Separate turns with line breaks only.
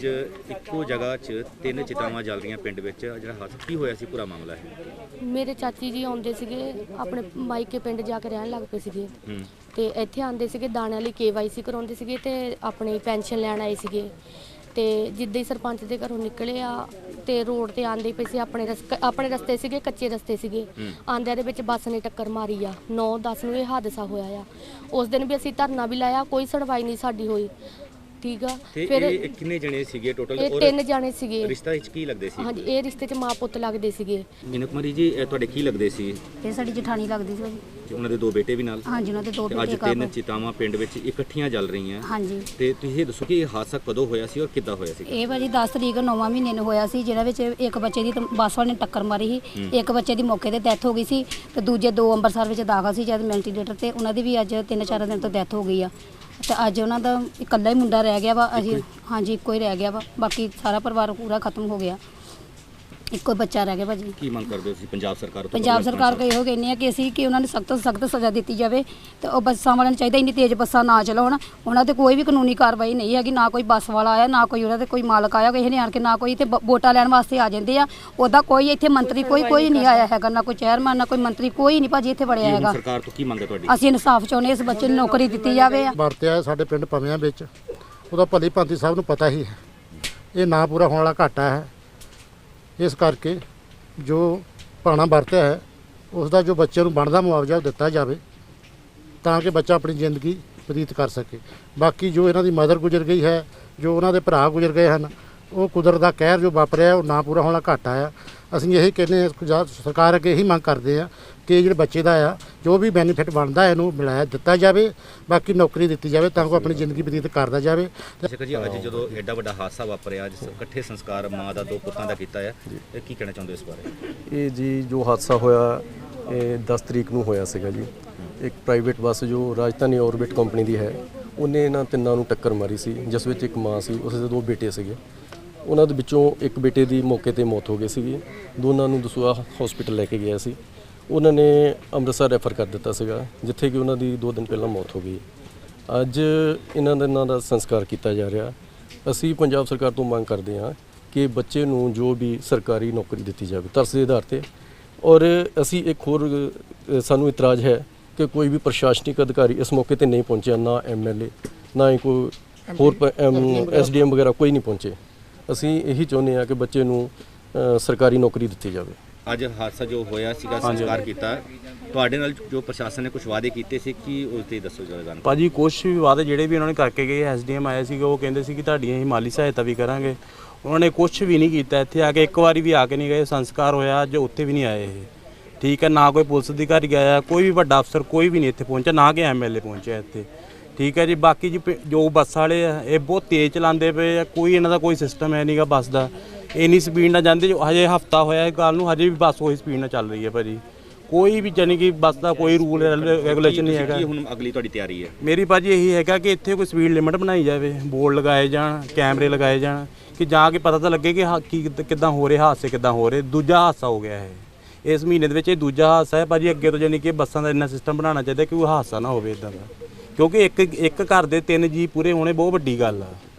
ਅੱਜ ਇੱਕੋ ਜਗ੍ਹਾ 'ਚ ਤਿੰਨ ਚਿਤਾਵਾਂ ਜਲ ਰਹੀਆਂ ਪਿੰਡ ਵਿੱਚ, ਜਿਹੜਾ ਹਾਦਸਾ ਕੀ ਹੋਇਆ ਸੀ, ਪੂਰਾ ਮਾਮਲਾ ਹੈ।
ਮੇਰੇ ਚਾਚੀ ਜੀ ਆਉਂਦੇ ਸੀਗੇ, ਆਪਣੇ ਮਾਈਕੇ ਪਿੰਡ ਜਾ ਕੇ ਰਹਿਣ ਲੱਗ ਪਏ ਸੀਗੇ ਤੇ ਇੱਥੇ ਆਉਂਦੇ ਸੀਗੇ, ਦਾਣਿਆਂ ਲਈ KYC ਕਰਾਉਂਦੇ ਸੀਗੇ ਤੇ ਆਪਣੀ ਪੈਨਸ਼ਨ ਲੈਣ ਆਏ ਸੀਗੇ। ਤੇ ਜਿੱਦਾਂ ਹੀ ਸਰਪੰਚ ਦੇ ਘਰੋਂ ਨਿਕਲੇ ਆ ਤੇ ਰੋਡ ਤੇ ਆਂਦੇ ਪਏ ਸੀ, ਆਪਣੇ ਰਸਤੇ ਸੀਗੇ, ਕੱਚੇ ਰਸਤੇ ਸੀਗੇ, ਆਂਦਿਆਂ ਦੇ ਵਿੱਚ ਬੱਸ ਨੇ ਟੱਕਰ ਮਾਰੀ ਆ। 9-10 ਨੂੰ ਇਹ ਹਾਦਸਾ ਹੋਇਆ ਆ। ਉਸ ਦਿਨ ਵੀ ਅਸੀਂ ਧਰਨਾ ਵੀ ਲਾਇਆ, ਕੋਈ ਸੁਣਵਾਈ ਨਹੀਂ ਸਾਡੀ ਹੋਈ। ਠੀਕ ਆ।
ਫਿਰ ਇਹ ਕਿੰਨੇ ਜਣੇ ਸੀਗੇ ਟੋਟਲ?
ਇਹ 3 ਜਣੇ ਸੀਗੇ।
ਰਿਸ਼ਤਾ ਵਿੱਚ ਕੀ ਲੱਗਦੇ ਸੀ?
ਹਾਂਜੀ, ਇਹ ਰਿਸ਼ਤੇ 'ਚ ਮਾਂ ਪੁੱਤ ਲੱਗਦੇ ਸੀਗੇ।
ਮੀਨਾ ਕੁਮਾਰੀ ਜੀ, ਇਹ ਤੁਹਾਡੇ ਕੀ ਲੱਗਦੇ ਸੀ?
ਇਹ ਸਾਡੀ ਜਠਾਣੀ ਲੱਗਦੀ ਸੀ ਭਾਜੀ।
ਤੇ ਉਹਨਾਂ ਦੇ 2 ਬੇਟੇ ਵੀ ਨਾਲ?
ਹਾਂਜੀ, ਉਹਨਾਂ ਦੇ 2 ਬੇਟੇ।
ਅੱਜ 3 ਚਿਤਾਵਾਂ ਪਿੰਡ ਵਿੱਚ ਇਕੱਠੀਆਂ ਜਲ ਰਹੀਆਂ।
ਹਾਂਜੀ।
ਤੇ ਤੁਸੀਂ ਇਹ ਦੱਸੋ ਕਿ ਇਹ ਹਾਦਸਾ ਕਦੋਂ ਹੋਇਆ ਸੀ ਔਰ ਕਿੱਦਾਂ ਹੋਇਆ ਸੀ?
ਇਹ ਭਾਜੀ 10 ਤਰੀਕ 9ਵਾਂ ਮਹੀਨੇ ਨੂੰ ਹੋਇਆ ਸੀ, ਜਿਹਨਾਂ ਵਿੱਚ ਇੱਕ ਬੱਚੇ ਦੀ ਬੱਸ ਵਾਲੇ ਨੇ ਟੱਕਰ ਮਾਰੀ ਸੀ। ਇੱਕ ਬੱਚੇ ਦੀ ਮੌਕੇ ਤੇ ਡੈਥ ਹੋ ਗਈ ਸੀ ਤੇ ਦੂਜੇ 2 ਅੰਮ੍ਰਿਤਸਰ ਵਿੱਚ ਦਾਖਲ ਸੀ ਜਦ ਵੈਂਟੀਲੇਟਰ ਤੇ, ਉਹਨਾਂ ਦੀ ਵੀ ਅੱਜ 3-4 ਦਿਨ ਤੋਂ ਡੈਥ ਹੋ ਗਈ ਆ। ਤੇ ਅੱਜ ਉਹਨਾਂ ਦਾ ਇਕੱਲਾ ਹੀ ਮੁੰਡਾ ਰਹਿ ਗਿਆ ਵਾ। ਅਸੀਂ ਹਾਂਜੀ, ਇੱਕੋ ਹੀ ਰਹਿ ਗਿਆ ਵਾ, ਬਾਕੀ ਸਾਰਾ ਪਰਿਵਾਰ ਪੂਰਾ ਖਤਮ ਹੋ ਗਿਆ, ਇੱਕੋ ਬੱਚਾ ਰਹਿ ਗਿਆ ਭਾਜੀ।
ਕੀ ਮੰਗ ਕਰਦੇ ਹੋ ਤੁਸੀਂ ਪੰਜਾਬ ਸਰਕਾਰ ਤੋਂ?
ਪੰਜਾਬ ਸਰਕਾਰ ਕੋਲ ਇਹੋ ਕਹਿੰਦੇ ਆ ਕਿ ਅਸੀਂ ਕਿ ਉਹਨਾਂ ਨੂੰ ਸਖਤ ਤੋਂ ਸਖਤ ਸਜ਼ਾ ਦਿੱਤੀ ਜਾਵੇ ਤੇ ਉਹ ਬੱਸਾਂ ਵਾਲਿਆਂ ਨੂੰ ਚਾਹੀਦਾ ਇੰਨੀ ਤੇਜ਼ ਬੱਸਾਂ ਨਾ ਚਲਾਉਣ। ਉਹਨਾਂ ਤੇ ਕੋਈ ਵੀ ਕਾਨੂੰਨੀ ਕਾਰਵਾਈ ਨਹੀਂ ਹੈਗੀ, ਨਾ ਕੋਈ ਬੱਸ ਵਾਲਾ ਆਇਆ, ਨਾ ਕੋਈ ਉਹਨਾਂ ਦੇ ਕੋਈ ਮਾਲਕ ਆਇਆ, ਕਿਸੇ ਨੇ ਆਣ ਕੇ ਨਾ ਕੋਈ ਇੱਥੇ ਵੋਟਾਂ ਲੈਣ ਵਾਸਤੇ ਆ ਜਾਂਦੇ ਆ। ਉਹਦਾ ਕੋਈ ਇੱਥੇ ਮੰਤਰੀ ਕੋਈ ਨਹੀਂ ਆਇਆ ਹੈਗਾ, ਨਾ ਕੋਈ ਚੇਅਰਮੈਨ, ਨਾ ਕੋਈ ਮੰਤਰੀ, ਕੋਈ ਨਹੀਂ ਭਾਜੀ ਇੱਥੇ ਵੜਿਆ ਹੈਗਾ।
ਸਰਕਾਰ ਤੋਂ ਕੀ ਮੰਗ ਹੈ ਤੁਹਾਡੀ?
ਅਸੀਂ ਇਨਸਾਫ ਚਾਹੁੰਦੇ, ਇਸ ਬੱਚੇ ਨੂੰ ਨੌਕਰੀ ਦਿੱਤੀ ਜਾਵੇ।
ਵਰਤਿਆ ਸਾਡੇ ਪਿੰਡ ਪਵਿਆਂ ਵਿੱਚ, ਉਹਦਾ ਭਲੀ ਭਾਂਤੀ ਸਭ ਨੂੰ ਪਤਾ ਹੀ ਹੈ। ਇਹ ਨਾ ਪੂਰਾ ਹੋਣ ਵਾਲਾ ਘਾਟਾ ਹੈ, ਇਸ ਕਰਕੇ ਜੋ ਭਾਣਾ ਵਰਤਿਆ ਹੈ ਉਸ ਦਾ ਜੋ ਬੱਚੇ ਨੂੰ ਬਣਦਾ ਮੁਆਵਜ਼ਾ ਉਹ ਦਿੱਤਾ ਜਾਵੇ ਤਾਂ ਕਿ ਬੱਚਾ ਆਪਣੀ ਜ਼ਿੰਦਗੀ ਬਤੀਤ ਕਰ ਸਕੇ। ਬਾਕੀ ਜੋ ਇਹਨਾਂ ਦੀ ਮਦਰ ਗੁਜ਼ਰ ਗਈ ਹੈ, ਜੋ ਉਹਨਾਂ ਦੇ ਭਰਾ ਗੁਜ਼ਰ ਗਏ ਹਨ, ਉਹ ਕੁਦਰਤ ਦਾ ਕਹਿਰ ਜੋ ਵਾਪਰਿਆ ਉਹ ਨਾ ਪੂਰਾ ਹੋਣਾ ਘਾਟਾ ਆ। ਅਸੀਂ ਇਹੀ ਕਹਿੰਦੇ ਹਾਂ, ਸਰਕਾਰ ਅੱਗੇ ਇਹੀ ਮੰਗ ਕਰਦੇ ਆ ਕਿ ਜਿਹੜੇ ਬੱਚੇ ਦਾ ਆ ਜੋ ਵੀ ਬੈਨੀਫਿਟ ਬਣਦਾ ਇਹਨੂੰ ਮਿਲਾਇਆ ਦਿੱਤਾ ਜਾਵੇ, ਬਾਕੀ ਨੌਕਰੀ ਦਿੱਤੀ ਜਾਵੇ ਤਾਂ ਕਿ ਆਪਣੀ ਜ਼ਿੰਦਗੀ ਬਤੀਤ ਕਰਦਾ ਜਾਵੇ।
ਸ਼ੇਖਰ ਜੀ, ਅੱਜ ਜਦੋਂ ਐਡਾ ਵੱਡਾ ਹਾਦਸਾ ਵਾਪਰਿਆ, ਅੱਜ ਇਕੱਠੇ ਸੰਸਕਾਰ ਮਾਂ ਦਾ 2 ਪੁੱਤਾਂ ਦਾ ਕੀਤਾ ਹੈ, ਇਹ ਕੀ ਕਹਿਣਾ ਚਾਹੁੰਦੇ ਹੋ ਇਸ ਬਾਰੇ?
ਇਹ ਜੀ ਜੋ ਹਾਦਸਾ ਹੋਇਆ ਇਹ 10 ਤਰੀਕ ਨੂੰ ਹੋਇਆ ਸੀਗਾ ਜੀ। ਇੱਕ ਪ੍ਰਾਈਵੇਟ ਬੱਸ ਜੋ ਰਾਜਧਾਨੀ ਔਰਬਿਟ ਕੰਪਨੀ ਦੀ ਹੈ, ਉਹਨੇ ਇਹਨਾਂ ਤਿੰਨਾਂ ਨੂੰ ਟੱਕਰ ਮਾਰੀ ਸੀ, ਜਿਸ ਵਿੱਚ ਇੱਕ ਮਾਂ ਸੀ, ਉਸ ਦੇ 2 ਬੇਟੇ ਸੀਗੇ। ਉਹਨਾਂ ਦੇ ਵਿੱਚੋਂ ਇੱਕ ਬੇਟੇ ਦੀ ਮੌਕੇ ਤੇ ਮੌਤ ਹੋ ਗਈ ਸੀਗੀ, ਦੋਨਾਂ ਨੂੰ ਦਸੂਹਾ ਹਸਪੀਟਲ ਲੈ ਕੇ ਗਿਆ ਸੀ। ਉਹਨਾਂ ਨੇ ਅੰਮ੍ਰਿਤਸਰ ਰੈਫਰ ਕਰ ਦਿੱਤਾ ਸੀਗਾ, ਜਿੱਥੇ ਕਿ ਉਹਨਾਂ ਦੀ 2 ਦਿਨ ਪਹਿਲਾਂ ਮੌਤ ਹੋ ਗਈ। ਅੱਜ ਇਹਨਾਂ ਦਾ ਸੰਸਕਾਰ ਕੀਤਾ ਜਾ ਰਿਹਾ। ਅਸੀਂ ਪੰਜਾਬ ਸਰਕਾਰ ਤੋਂ ਮੰਗ ਕਰਦੇ ਹਾਂ ਕਿ ਬੱਚੇ ਨੂੰ ਜੋ ਵੀ ਸਰਕਾਰੀ ਨੌਕਰੀ ਦਿੱਤੀ ਜਾਵੇ ਤਰਸ ਦੇ ਆਧਾਰ ਤੇ। ਔਰ ਅਸੀਂ ਇੱਕ ਹੋਰ ਸਾਨੂੰ ਇਤਰਾਜ਼ ਹੈ ਕਿ ਕੋਈ ਵੀ ਪ੍ਰਸ਼ਾਸਨਿਕ ਅਧਿਕਾਰੀ ਇਸ ਮੌਕੇ ਤੇ ਨਹੀਂ ਪਹੁੰਚਿਆ, ਨਾ MLA, ਨਾ ਹੀ ਕੋਈ ਹੋਰ SDM ਵਗੈਰਾ ਕੋਈ ਨਹੀਂ ਪਹੁੰਚੇ। ਅਸੀਂ ਇਹੀ ਚਾਹੁੰਦੇ ਹਾਂ ਕਿ ਬੱਚੇ ਨੂੰ ਸਰਕਾਰੀ ਨੌਕਰੀ ਦਿੱਤੀ ਜਾਵੇ।
ਅੱਜ ਹਾਦਸਾ ਜੋ ਹੋਇਆ ਸੀਗਾ, ਸੰਸਕਾਰ ਕੀਤਾ, ਤੁਹਾਡੇ ਨਾਲ ਜੋ ਪ੍ਰਸ਼ਾਸਨ ਨੇ ਕੁਝ ਵਾਅਦੇ ਕੀਤੇ ਸੀ, ਕੀ ਉਸ ਤੇ ਦੱਸੋ ਜਰਾ।
ਭਾਜੀ ਕੁਛ ਵੀ ਵਾਅਦੇ ਜਿਹੜੇ ਵੀ ਉਹਨਾਂ ਨੇ ਕਰਕੇ ਗਏ, SDM ਆਏ ਸੀਗੇ, ਉਹ ਕਹਿੰਦੇ ਸੀ ਕਿ ਤੁਹਾਡੀ ਅਸੀਂ ਮਾਲੀ ਸਹਾਇਤਾ ਵੀ ਕਰਾਂਗੇ। ਉਹਨਾਂ ਨੇ ਕੁਛ ਵੀ ਨਹੀਂ ਕੀਤਾ। ਇੱਥੇ ਆ ਕੇ ਇੱਕ ਵਾਰੀ ਵੀ ਆ ਕੇ ਨਹੀਂ ਗਏ। ਸੰਸਕਾਰ ਹੋਇਆ ਅੱਜ, ਉੱਥੇ ਵੀ ਨਹੀਂ ਆਏ ਇਹ। ਠੀਕ ਹੈ, ਨਾ ਕੋਈ ਪੁਲਿਸ ਅਧਿਕਾਰੀ ਆਇਆ, ਕੋਈ ਵੀ ਵੱਡਾ ਅਫਸਰ ਕੋਈ ਵੀ ਨਹੀਂ ਇੱਥੇ ਪਹੁੰਚਿਆ, ਨਾ ਕਿ MLA ਪਹੁੰਚਿਆ ਇੱਥੇ। ਠੀਕ ਹੈ ਜੀ। ਬਾਕੀ ਜੀ ਜੋ ਬੱਸ ਵਾਲੇ ਆ ਇਹ ਬਹੁਤ ਤੇਜ਼ ਚਲਾਉਂਦੇ ਪਏ ਆ, ਕੋਈ ਇਹਨਾਂ ਦਾ ਕੋਈ ਸਿਸਟਮ ਹੈ ਨਹੀਂਗਾ ਬੱਸ ਦਾ। ਇੰਨੀ ਸਪੀਡ ਨਾਲ ਜਾਂਦੇ, ਹਜੇ ਹਫਤਾ ਹੋਇਆ ਇਹ ਗੱਲ ਨੂੰ, ਹਜੇ ਵੀ ਬੱਸ ਉਹੀ ਸਪੀਡ ਨਾਲ ਚੱਲ ਰਹੀ ਹੈ ਭਾਜੀ। ਕੋਈ ਵੀ ਜਾਨੀ ਕਿ ਬੱਸ ਦਾ ਕੋਈ ਰੂਲ ਰੈਗੂਲੇਸ਼ਨ ਨਹੀਂ ਹੈਗਾ।
ਹੁਣ ਅਗਲੀ ਤੁਹਾਡੀ ਤਿਆਰੀ ਹੈ?
ਮੇਰੀ ਭਾਜੀ ਇਹੀ ਹੈਗਾ ਕਿ ਇੱਥੇ ਕੋਈ ਸਪੀਡ ਲਿਮਿਟ ਬਣਾਈ ਜਾਵੇ, ਬੋਰਡ ਲਗਾਏ ਜਾਣ, ਕੈਮਰੇ ਲਗਾਏ ਜਾਣ, ਕਿ ਜਾ ਕੇ ਪਤਾ ਤਾਂ ਲੱਗੇ ਕਿ ਕਿੱਦਾਂ ਹੋ ਰਹੇ ਹਾਦਸੇ, ਕਿੱਦਾਂ ਹੋ ਰਹੇ। ਦੂਜਾ ਹਾਦਸਾ ਹੋ ਗਿਆ ਇਹ ਇਸ ਮਹੀਨੇ ਦੇ ਵਿੱਚ, ਇਹ ਦੂਜਾ ਹਾਦਸਾ ਹੈ ਭਾਜੀ। ਅੱਗੇ ਤੋਂ ਜਾਨੀ ਕਿ ਬੱਸਾਂ ਦਾ ਇੰਨਾ ਸਿਸਟਮ ਬਣਾਉਣਾ ਚਾਹੀਦਾ ਕਿ ਕੋਈ ਹਾਦਸਾ ਨਾ ਹੋਵੇ ਇੱਦਾਂ ਦਾ, ਕਿਉਂਕਿ ਇੱਕ ਘਰ ਦੇ 3 ਜੀ ਪੂਰੇ ਹੋਣੇ ਬਹੁਤ ਵੱਡੀ ਗੱਲ ਆ।